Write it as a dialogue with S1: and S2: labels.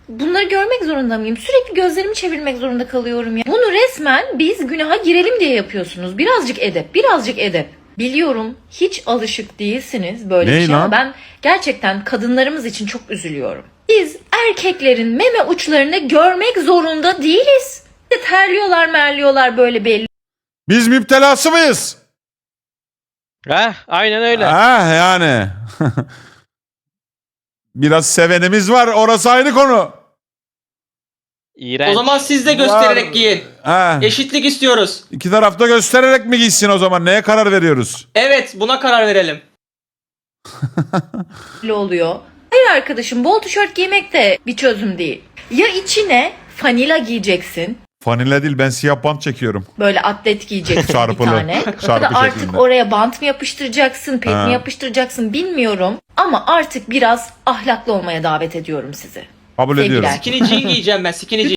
S1: bunları görmek zorunda mıyım? Sürekli gözlerimi çevirmek zorunda kalıyorum ya. Bunu resmen biz günaha girelim diye yapıyorsunuz. Birazcık edep, birazcık edep. Biliyorum hiç alışık değilsiniz böyle bir
S2: Ney
S1: şey
S2: lan?
S1: ama ben gerçekten kadınlarımız için çok üzülüyorum. Biz erkeklerin meme uçlarını görmek zorunda değiliz. Terliyorlar merliyorlar böyle belli
S2: Biz müptelası mıyız?
S3: Aynen öyle.
S2: Ha yani. Biraz sevenimiz var. Orası ayrı konu.
S3: İğrenç.
S4: O zaman siz de göstererek giyin.
S2: Ha.
S4: Eşitlik istiyoruz.
S2: İki tarafta göstererek mi giysin o zaman? Neye karar veriyoruz?
S4: Evet, buna karar verelim.
S1: oluyor. Hayır arkadaşım, bol tişört giymek de bir çözüm değil. Ya içine fanila giyeceksin.
S2: Fanile değil, ben siyah bant çekiyorum.
S1: Böyle atlet giyeceksin
S2: Çarpılı.
S1: bir tane. Ya
S2: Çarpı
S1: da artık
S2: şeklinde.
S1: oraya bant mı yapıştıracaksın, pet
S2: Ha.
S1: mi yapıştıracaksın bilmiyorum. Ama artık biraz ahlaklı olmaya davet ediyorum sizi.
S2: Kabul
S1: Sevgiler.
S2: ediyorum.
S4: Skinny jean giyeceğim ben, skinny jean.